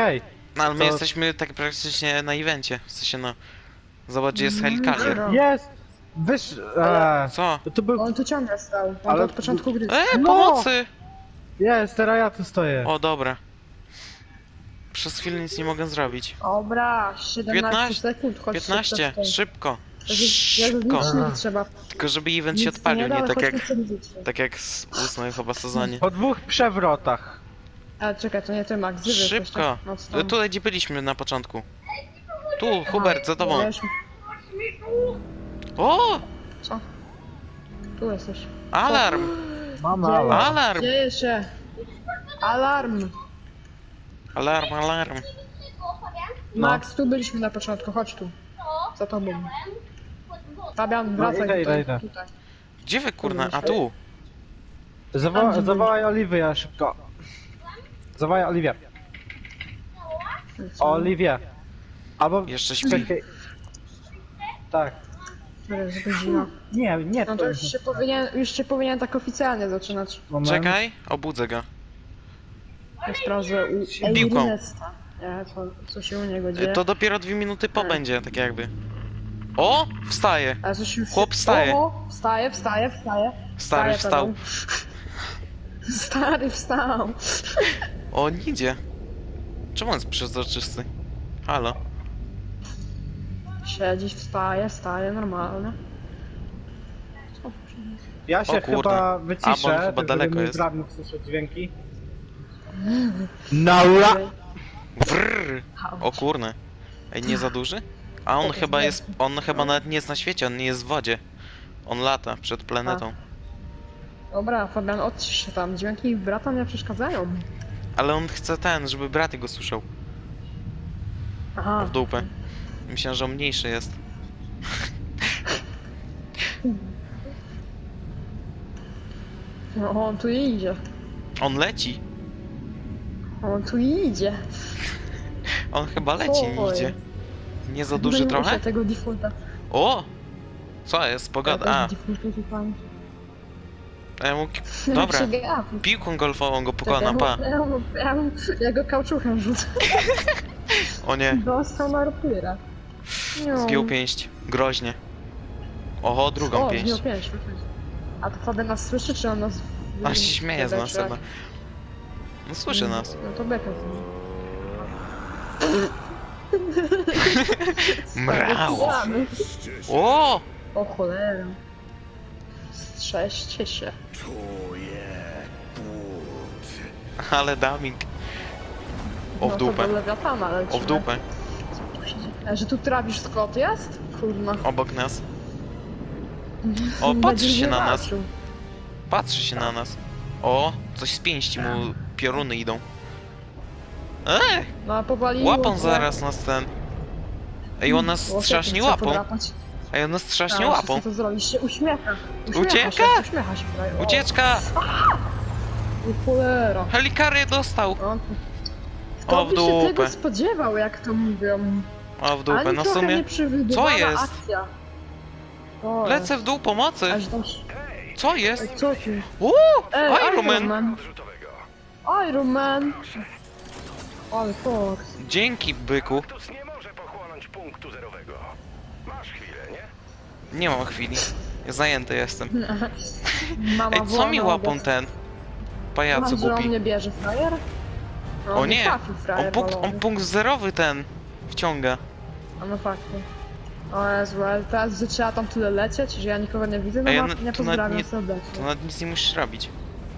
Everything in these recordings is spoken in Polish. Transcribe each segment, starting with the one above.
Ej! No ale my To- jesteśmy tak praktycznie na evencie. W sensie no... Zobacz, gdzie jest helikarier. Jest! Wysz... Co? To był... On tu ciągle stał. On Ale- to od początku gry. No! Pomocy! Jest, teraz ja tu stoję. O, dobra. Przez chwilę nic nie mogę zrobić. Dobra, 17 15, sekund, chodź 15, szybko. szybko. Jak Szybko. licznik trzeba. Tylko żeby event się Nic odpalił, da, nie ale tak jak... chodźmy przed licznik. Tak jak z 8 chyba sezonie. Po 2 przewrotach. A czekaj, to nie ty, Max, zywy Szybko! Mocno. Tutaj gdzie byliśmy na początku. Tu, Hubert, za tobą. O! Co? Tu jesteś. Alarm! Mamy Dzieje. alarm. Alarm! Dzieje się. Alarm. Alarm, alarm. No. Max, tu byliśmy na początku, chodź tu. Za tobą. Fabian, wracaj idę, tutaj. idę. tutaj. Gdzie wy kurna? A tu! Zawołaj Oliwię szybko. Zawołaj Oliwię. Oliwię. Albo... Jeszcze śpi. Czekaj. Tak. Jest godzina. Nie No to już się powinien tak oficjalnie zaczynać. Moment. Czekaj, obudzę go. Ja sprawdzę u Piłką. Ernesta. Nie, co się u niego dzieje. To dopiero 2 minuty po będzie, tak jakby. O! Wstaje! A coś już Chłop wstaje. O, wstaje. Stary Wstaje, wstał. Stary wstał. O, nie idzie. Czemu on jest przezroczysty? Halo? Siedzi, wstaje, normalnie. Co? Ja się O kurde. chyba A, bo wyciszę, on chyba daleko mój jest. brat mógł słyszeć dźwięki. Naura! Wrrr. O kurne. Ej, nie za duży? A on chyba jest... On chyba nawet nie jest na świecie, on nie jest w wodzie. On lata przed planetą. Dobra, Fabian, odcisz się tam. Dźwięki brata nie przeszkadzają. Ale on chce żeby brat go słyszał. Aha. W dupę. Myślałem, że on mniejszy jest. No, on tu idzie. On leci. On tu idzie. On chyba leci, nie Oj. idzie. Nie za duży Będę trochę? musiał tego defaulta. O! Co jest? Pogoda. A, ja mu... Dobra. Piłką golfową go pokonam, pa. Ja go kauczuchem rzucę. O nie, Dostał na rapyra. zgiął pięść. Groźnie. Oho, drugą O, pięść. zgiął pięść. A to Fabian nas słyszy, czy on nas... A się śmieje z nas Czy jak? chyba. No słyszy nas. No to beka. Mrał. O! O cholera. Strzeźcie się. Ale daming. O w No dupę. to do Lewiatana lecimy. O w dupę. A że tu Travis Scott jest? Kurna. Obok nas. O, patrzy się na nas. Patrzy się na nas. O, coś z pięści mu pioruny idą. No a powaliło. Łapą zaraz nas ten. Ej, on nas strasznie łapą. Ej, on nas strasznie łapą. Co to zrobić? Się uśmiecha. Ucieka? Uśmiecha się. O, Ucieczka! o cholera. Helikarię dostał! On... O, w Kto by się tego dupę. spodziewał, jak to mówią. O, w dupę, Ani no w trochę sumie... nie przewidywana Co jest? akcja. O, Lecę w dół pomocy! Aż tam... Co jest? Ej, co ty? Uuu! Ej, Iron Man! Iron Man! Ale Fox. Dzięki, byku. Kaktus nie może pochłonąć punktu zerowego. Masz chwilę, nie? Nie mam chwili. Zajęty jestem. Mama Ej, co woła mi na łapą obiad. ten? Pajacu Masz, że on głupi. mnie bierze, frajer? No, O on nie! trafił, frajer On balony. punkt zerowy ten wciąga. A no fakty. O Jezu, ale teraz, że trzeba tam tyle lecieć, że ja nikogo nie widzę, no A ja ja na- nie to pozdrawiam nawet nie- serdecznie. To nawet nic nie musisz robić.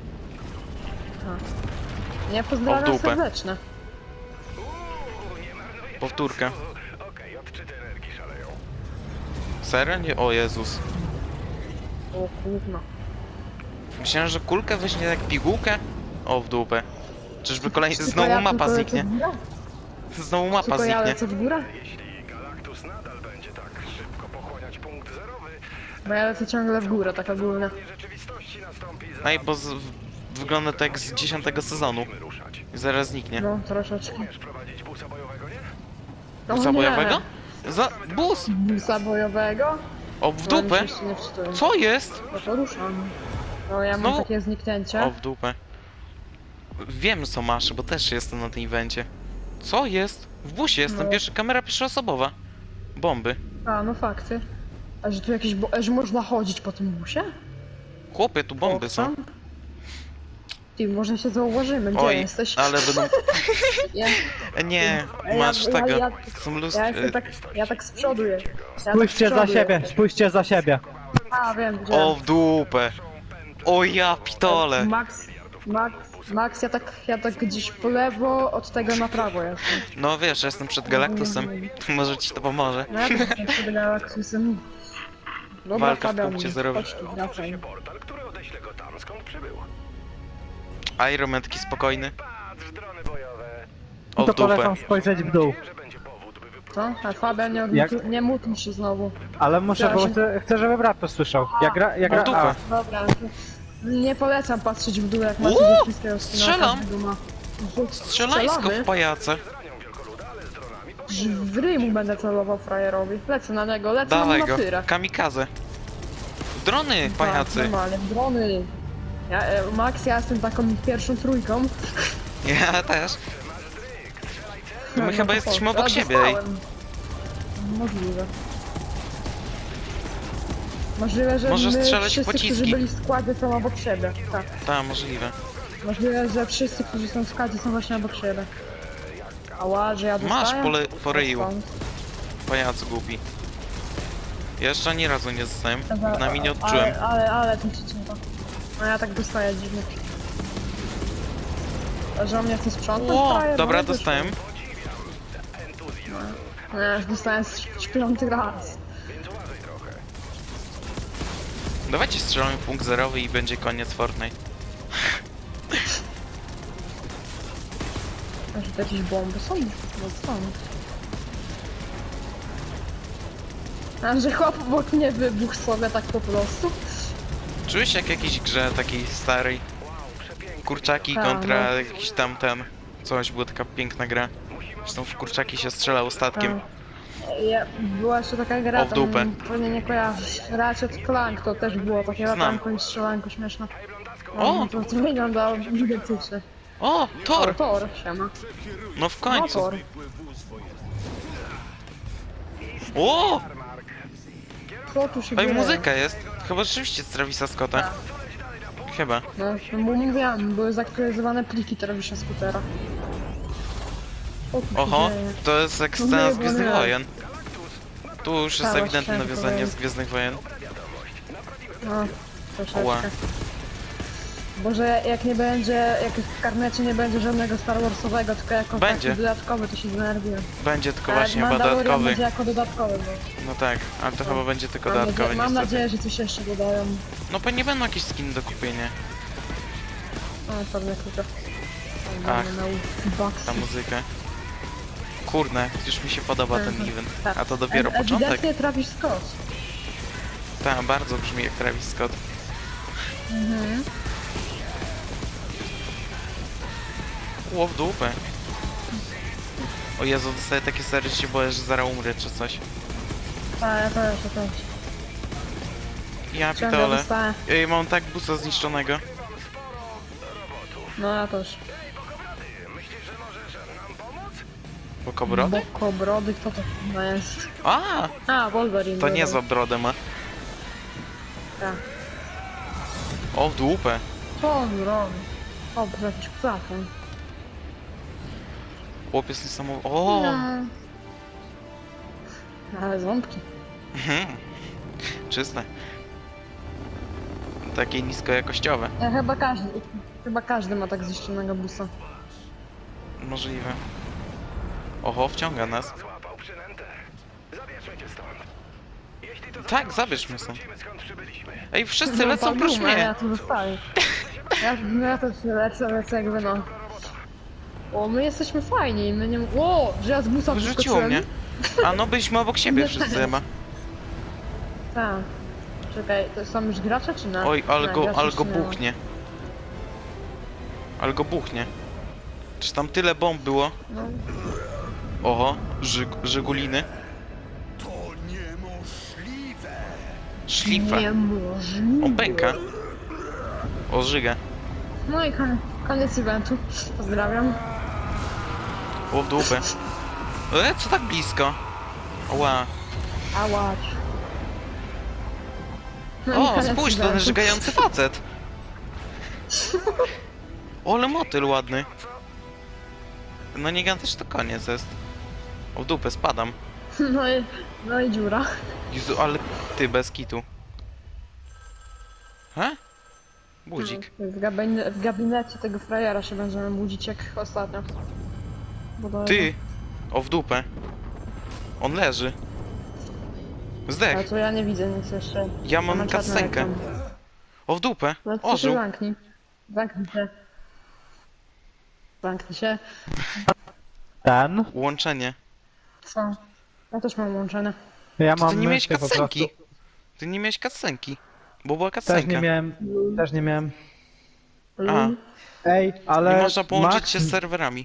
Nie pozdrawiam dupę. serdecznie. Nie marnuję Powtórka. czasu. Okej, odczyty energii szaleją. Serio? Nie? O Jezus. O kurno. Myślałem, że kulkę weźmie jak pigułkę. O, w dupę. Czyżby kolejny... Tylko Znowu ja mapa tylko zniknie. lecę w górę? Znowu mapa Tylko ja zniknie. lecę w górę? Jeśli Galactus nadal będzie tak szybko pochłaniać punkt zerowy, Bo ja lecę ciągle w górę, tak ogólnie. rzeczywistości nastąpi No i bo wygląda to jak z 10 sezonu. ruszać. I zaraz zniknie. No, troszeczkę. Umiesz prowadzić busa bojowego, nie? O Busa nie! bojowego? Za... Bus! Busa bojowego? O, w No, dupę! mi się jeszcze nie wczytuję. Co jest? No to ruszam. No ja mam Znowu- takie zniknięcie. O, w dupę. Wiem, co masz, bo też jestem na tym evencie. Co jest? W busie jestem, No. kamera pierwszoosobowa. Bomby. A, no fakty. A że tu jakieś... A że można chodzić po tym busie? Chłopie, tu bomby są. Owszem. Ty, może się zauważymy, gdzie Oj, jesteś? ale będą... Ja, Nie, masz tego. Są ja tak z przodu jestem. Spójrzcie za siebie, spójrzcie za siebie. A, wiem, gdzie. O, w dupę. O ja pitole. Max, ja tak gdzieś po lewo, od tego na prawo jestem. No wiesz, jestem przed Galactusem. Może ci to pomoże. No ja też jestem przed Galactusem. Dobra, Walka w Fabian, punkcie zerowym. chodź tu, wracaj. Portal, który odeśle go tam, skąd przybył. Ironmetki spokojny. Patrz, drony bojowe. O, To w dupę. polecam spojrzeć w dół. Wie, że będzie powód, by wypróbować. Co? A Fabian, nie mutnij się znowu. Ale muszę, bo Przepraszam. chcę, żeby brat to słyszał. Jak O, gra, dupę. Dobra, nie polecam patrzeć w dół, jak macie Uuu, ze wszystkiego strzelam. spinaka. Strzelajsko w pajace. Zranią wielkoluda, ale z dronami W rymu będę celował frajerowi. Lecę na niego, lecę Dawaj na go. tyrę. Kamikaze. Drony, pajacy. Normalnie, drony. Max, ja jestem taką pierwszą trójką. Ja też. My No chyba to jesteśmy po- obok a, siebie, ej. dostałem. Możliwe. Możliwe, że Może my strzelać wszyscy, pociski. którzy byli w składzie, są obok siebie. Tak. Tak, możliwe. Możliwe, że wszyscy, którzy są w składzie, są właśnie obok siebie. Ała, że ja dostałem? Masz po ryju, Skąd? pajacu głupi. Ja jeszcze ani razu nie zostałem. Dobra, Przynajmniej nie odczułem. Ale to cicinka. No ja tak dostaję dziwnie. A że on mnie chce sprzątać? Ło, frajer? dobra, No, wyszło. dostałem. No ja już dostałem śpiący raz. Dawajcie strzelamy punkt zerowy i będzie koniec Fortnite. A że to jakieś bomby są? No są. A że chłop obok mnie wybuchł sobie tak po prostu? Czułeś jak jakiejś grze takiej starej? Kurczaki Tak, kontra no. jakiś tamten. Coś, była taka piękna gra. Zresztą w kurczaki się strzelało statkiem. Była jeszcze taka gra, O, w dupę. tam pewnie nie kojarzysz. Ratchet Clank to też było takie latanko i strzelanko śmieszne. O! To wyglądało identycznie. O, Thor! Thor, siema. No w No końcu. Thor. O! Co tu się Ej, dzieje? muzyka jest. Chyba rzeczywiście z Travisa Scotta. Chyba. No, mówiłam, były zaktualizowane pliki Travisa Scootera. O, tu się Oho, dzieje. to jest jak No scena nie, z bo Gwiezdnych nie. Wojen. Tu już jest Tak, ewidentne właśnie nawiązanie powiem. z Gwiezdnych Wojen. No, troszeczkę. Ła. Boże, jak nie będzie, jak w karnecie nie będzie żadnego Star Warsowego, tylko jako Będzie. taki dodatkowy, to się zdenerwuję. Będzie tylko Tak, właśnie chyba Mandalorian dodatkowy. będzie jako dodatkowy, bo No tak, ale to chyba będzie tylko mam, dodatkowy mam niestety. nadzieję, że coś jeszcze dodają. No pewnie będą jakieś skiny do kupienia. No, pewnie tylko. Ach, Bucks. ta muzyka. Kurde, już mi się podoba ten event. Tak. A to dopiero początek. Ewidentnie Travis Scott. Tak, bardzo brzmi jak Travis Scott. Mhm. Ło w dupę. O Jezu, dostaję takie sery, że się boję, że zaraz umrę czy coś. Tak, ja też. Ja Ciągle pitole. dostałem. Ej, mam tak busa zniszczonego. No ja też. Bokobrody? Bokobrody, kto to chyba jest? A, Wolverine. to niezła brodę ma. Tak. O w dupę. Co on robi? O, to jakiś plafon. Chłopiec niesamowity. O! Ale ząbki. Mhm. Czyste. Takie niskojakościowe. Ja chyba każdy ma tak zniszczonego busa. Możliwe. Oho, wciąga nas. Złapał przynętę. Zabierzmy cię stąd. Jeśli to Tak, zabierz mnie stąd. zobaczymy, skąd przybyliśmy. Ej, wszyscy lecą prócz Duma, ja mnie. tu zostaję. Ja też lecę jakby no. O, my jesteśmy fajni, my nie... O, że ja z busa Wyrzuciło wyskoczyłem. mnie. A no, byliśmy obok siebie wszyscy chyba. Tak. Czekaj, to są już gracze czy nie? Oj, ale Nie, go graczy jeszcze nie ma. buchnie. Ale go buchnie. Czy tam tyle bomb było? No. Oho, Żyguliny. Szlifa. Niemożliwe. On pęka. O, żyga. No i koniec eventu. Pozdrawiam. O w dupę. Co tak blisko? Ła. A łacz. No i O, koniec spójrz, to ten eventu. żygający facet. O, ale motyl ładny. No nie też to koniec jest. O w dupę, spadam. No i dziura. Jezu, ale ty bez kitu. He? Budzik. W gabinecie tego frajera się będziemy budzić jak ostatnio. Ty! O w dupę. On leży. Ale Zdech. to ja nie widzę nic jeszcze. Ja mam czarny kasenkę. ekran. O w dupę. No to się Ożył. zamknij. Zamknij się. Zamknij się. Ten? Łączenie. Co? Ja też mam łączone. Ja To mam ty nie miałeś myszkę po prostu. kasenki. Ty nie miałeś kasenki. Bo była Też kasenka. nie miałem, też nie miałem. A, Ej, ale... nie można połączyć Max- się z serwerami.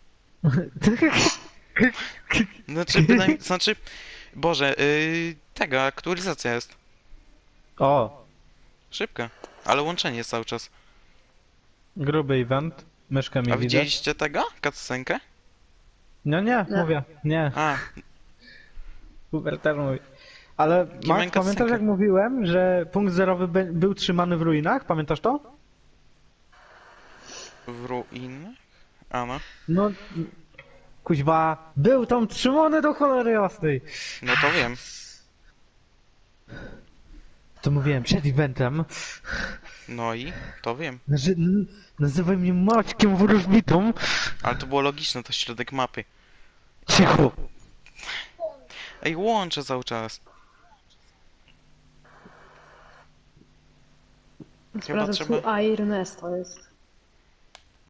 Znaczy, znaczy... Boże, tego, aktualizacja jest. O, Szybka. Ale łączenie jest cały czas. gruby event. Myszkę mi A widać. widzieliście tego? Cutscenkę? No nie, Nie. mówię, nie. A, Uber też mówi. Ale mam Max, pamiętasz kasenkę. jak mówiłem, że punkt zerowy był trzymany w ruinach? Pamiętasz to? w ruinach? A no. No... Kuźwa, był tam trzymany do cholery jasnej. No to wiem. To mówiłem przed eventem, No i to wiem. że nazywaj mnie Maćkiem Wróżbitą. Ale to było logiczne, to środek mapy. Cicho. Ej, łączę cały czas. Sprawdzę, trzeba- tu Airnest to jest.